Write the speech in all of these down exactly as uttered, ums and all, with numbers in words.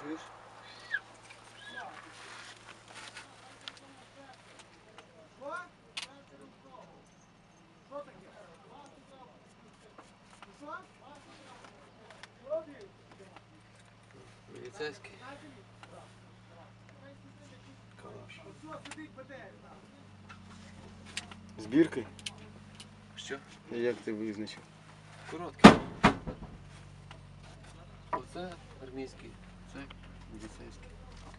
Чуєш? Міліцейський. Калаш. Збіркою? Що? Як ти визначив? Короткий. Оце армійський, це міліцейський.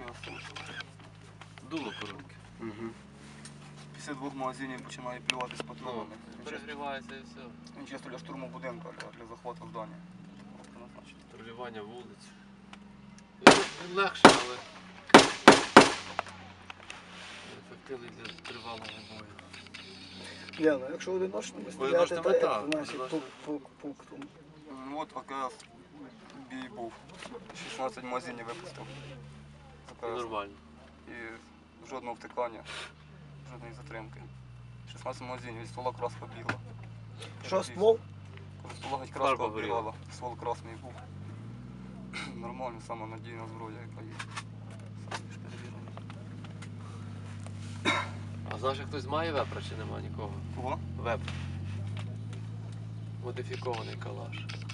Дуло коротке. Угу. Після двох магазинів починає плювати з патронами. Ну, перегрівається і все. Він чисто для штурму будинку, для, для захвату здання. Патрулювання вулиць. Він легше, але ефективний для тривалого бою. Ля, ну якщо одиночними Ой, стріляти, можете то мета, як наші одиночно. пунктом. Ну от якраз бій був. шістнадцять магазинів випустив. Якраз. Нормально. І жодного втикання, жодної затримки. шістнадцять магазинів, від ствола краска бігла. Що, ствол? Коли ствола геть Фарба краска горіла. оббігала, ствол красний був. Нормально, сама надійна зброя, яка є. Саме більш перевірений. А знаєш, хтось має вепра чи нема нікого? Кого? Веп. Модифікований калаш.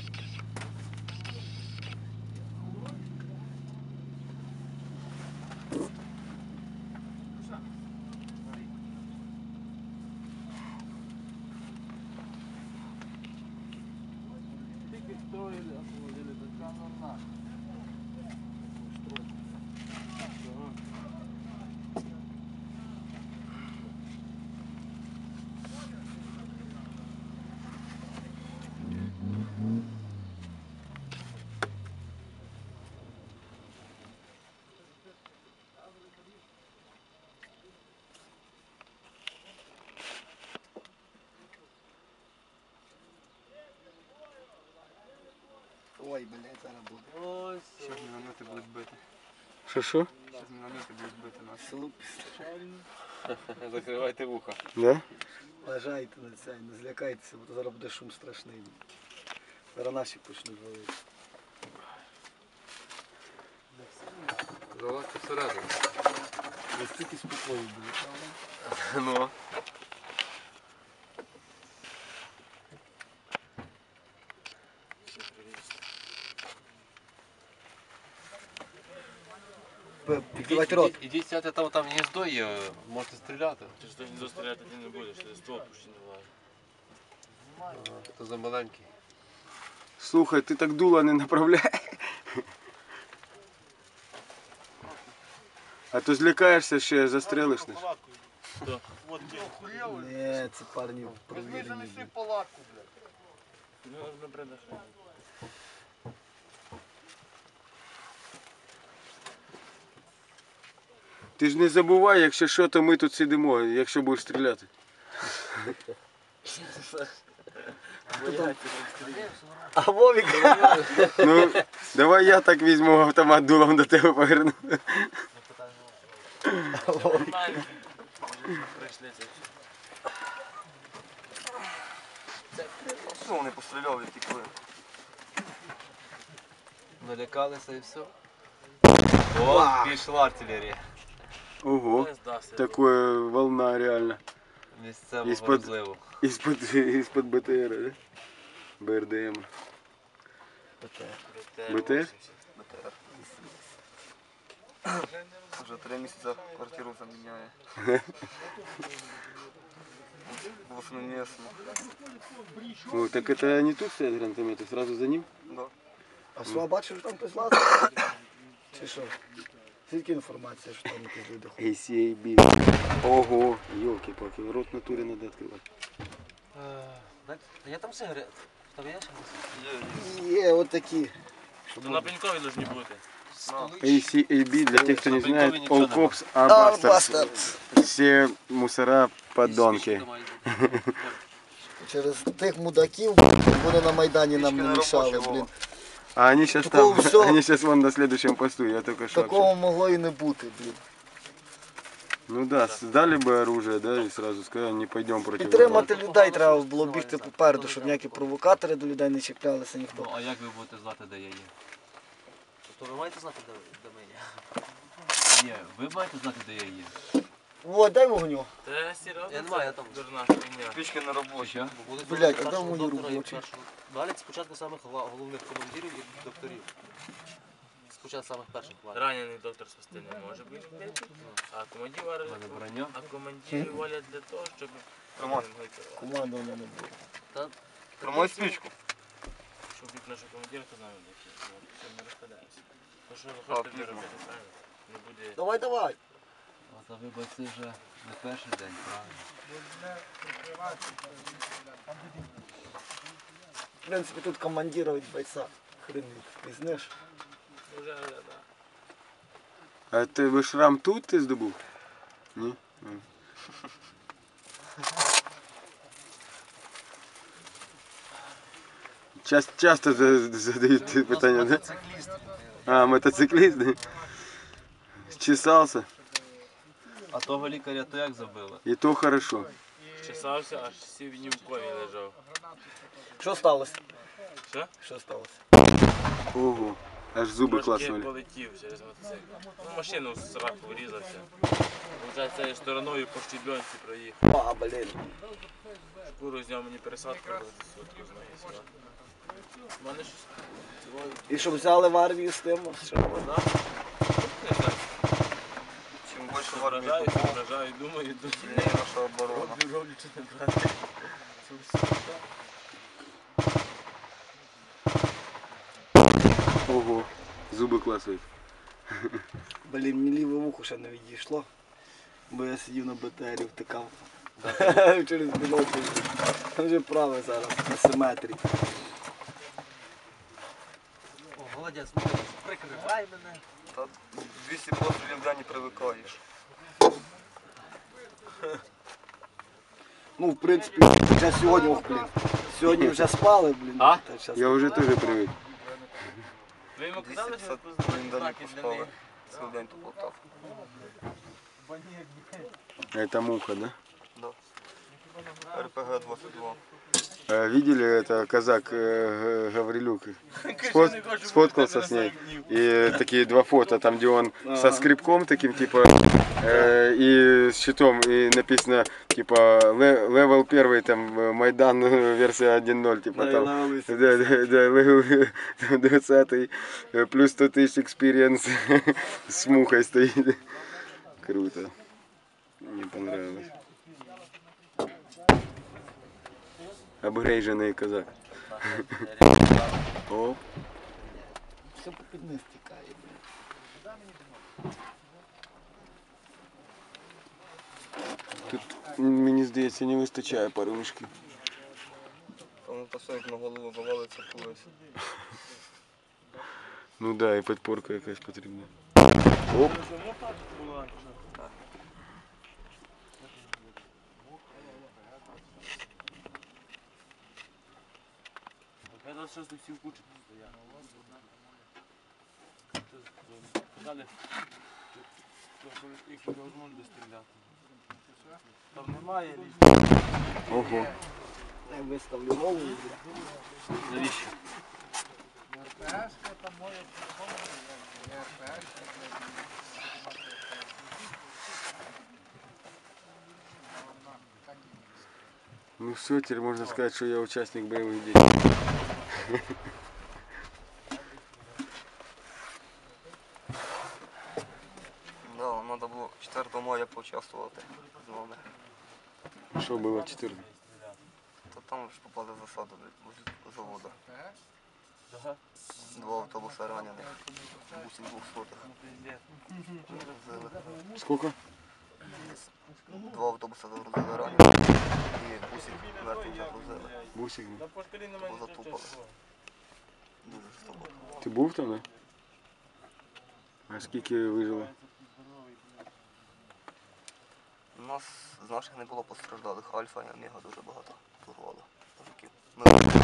Ой, блядь, зараз буде. Ось. Зараз міномети будуть бити. Що, що? Зараз міномети будуть бити нас. Слупіс. Закривайте вуха. Да? Лежайте на це, не злякайтеся, бо то зараз буде шум страшний. Зараз наші почнуть валити. Залазьте всередину. Настільки спокою буде, правда? Ну. Відкривайте рот. Ідіть, ідіть сядьте там, там гніздо є, можете стріляти. Ти ж не стріляти ти не будеш, ти ствол пущі не влазить. А, то за маленький. Слухай, ти так дуло не направляй. А то злякаєшся ще, застрелиш нас. Не, це парні провірені. Ну, не придашай. Ти ж не забувай, якщо що, то ми тут сидимо, якщо будеш стріляти. А Вовік? Ну, давай я так візьму автомат дулом до тебе поверну. Нормально. Прийшли це. Що вони постріляли, втекли? Налякалися і все. О, пішла артилерія. Ого, Не здався. такая волна реально. Місцевого Із-под- розливу. Из-под, из-под БТР, да? БРДМ. БТР? БТР. Вже три місяці квартиру заміняє. Восьмимісну. О, так это не тут стоят гранатометы, сразу за ним? Да. А Слава бачив, що там хтось лазив? Чи що? Тільки інформація, що там якісь люди ходять. ей сі ей бі. Ого, елки-палки, рот в натуре надо открывать. Є там сигарет? Там є ще? Є, от такі. То на пенькові повинні бути. ей сі ей бі, для тех, кто не знает, ничего All не Cops А, are Bastards. бастард. Все мусора подонки. Через тих мудаків вони на Майдані нам не мішали, блін. А они сейчас Такого там, всё- они сейчас вон на следующем посту, я только что Такого общался. могло і не бути, блін. Ну да, сдали бы оружие, да, и сразу сказали, не пойдем против врага. Підтримати людей треба було бігти попереду, щоб ніякі провокатори до людей не чіплялися ніхто. Ну, а як ви будете знати, де я є? То ви маєте знати, де, де ми є? Ні, ви маєте знати, де я є. О, дай вогню. Та серйозно? Я не маю, я там. Дурна хуйня. Спички на робочі. Що? Бо будуть Блядь, першого а там мої доктора і робочі. першого- Далі спочатку самих гла- головних командирів і докторів. Спочатку самих перших валять. Ранений доктор спасти не може бути. А командир валять, мене броня. а командири валять для того, щоб... Роман. Командування не буде. Та, Тримай спичку. Щоб бути нашого командира, то знаємо, які. Все, ми розпадаємося. Ну що ви А, хочете пізно. робити, правильно? Не буде... Давай, давай. А та ви бойці вже не перший день, правильно? В принципі, тут командира від бойця. Хрен пізнеш. Вже, вже, да. А тебе шрам тут ти здобув? Ні? М. Часто, часто за- задають ці питання, да? А, мотоцикліст, да? Чесався, А того лікаря то як забило? і то хорошо. Чесався, аж сів в кові лежав. Що сталося? Що? Що сталося? Ого, аж зуби Трошки клацнули. полетів через мотоцикл. Ну, машину в сраку врізався. Получається, цією стороною по щебенці проїхав. А, блін. Шкуру зняв мені пересадку робити сутку з ноги сюди. У мене щось цього, І щоб взяли в армію з тим, що? да? Не знаю, Чим більше в армії, вражаю, тим вражаю, думаю, думаю. сильніше наша оборона. Роблю, роблю, чи не брати. Це все. Ого, зуби клацають. Блін, мені ліве вухо ще не відійшло. Бо я сидів на БТРі, втикав. Через бінокль. Там вже праве зараз, на симетрії. О, молодець, молодець, прикривай мене. Та двісті пострілів в день не привикаєш. Ну, в принципі, вже сьогодні, ох, блін. Сьогодні вже спали, блін. А? Та щас- Я вже теж привик. Ви йому казали, двісті що п'ятдесят хвилин день знаки для поспали. них? Цілий день тут лотав. Это муха, да? Да. эр пэ гэ двадцять два. А, Видели, это казак э, Г- Гаврилюк Сфот- сфоткался с ней. И такие два фото, там где он со скребком таким, типа, э, и с щитом, и написано, типа, ле- левел первый, там, э, Майдан, э, версия один ноль, типа, там. Да, да, да, левел двадцатый, э, плюс сто тысяч экспириенс с мухой стоит. Круто. Мне понравилось. Обгрейжений казак. О, Все по під низ тікає, блін. тут, мені здається, не вистачає пару мішків. Тому посадок на голову вивалиться колись. Ну так, да, і підпорка якась потрібна. Оп, Я тут щось всі в кучі стояв. Далі. Їх невозможно достріляти. Там немає ліжка. ого. Я виставлю голову, блін. Навіщо? Ну все, теперь можна сказати, що я учасник бойових дій. Да, треба було четвертого мая поучаствувати з нами. Що було чотирнадцять? То там ж попали в засаду возле заводу. Два автобуси ранених. Бусик двохсотих. Загрузили. Скільки? Два автобуси загрузили ранених. І бусик мертвий загрузили. Бусик. Та по шкалі немає Бо нічого затупали. чого. Дуже жорстоко. Ти був там, да? А скільки вижило? У нас з наших не було постраждалих. Альфа і Омега дуже багато порвало. Мужиків. Ми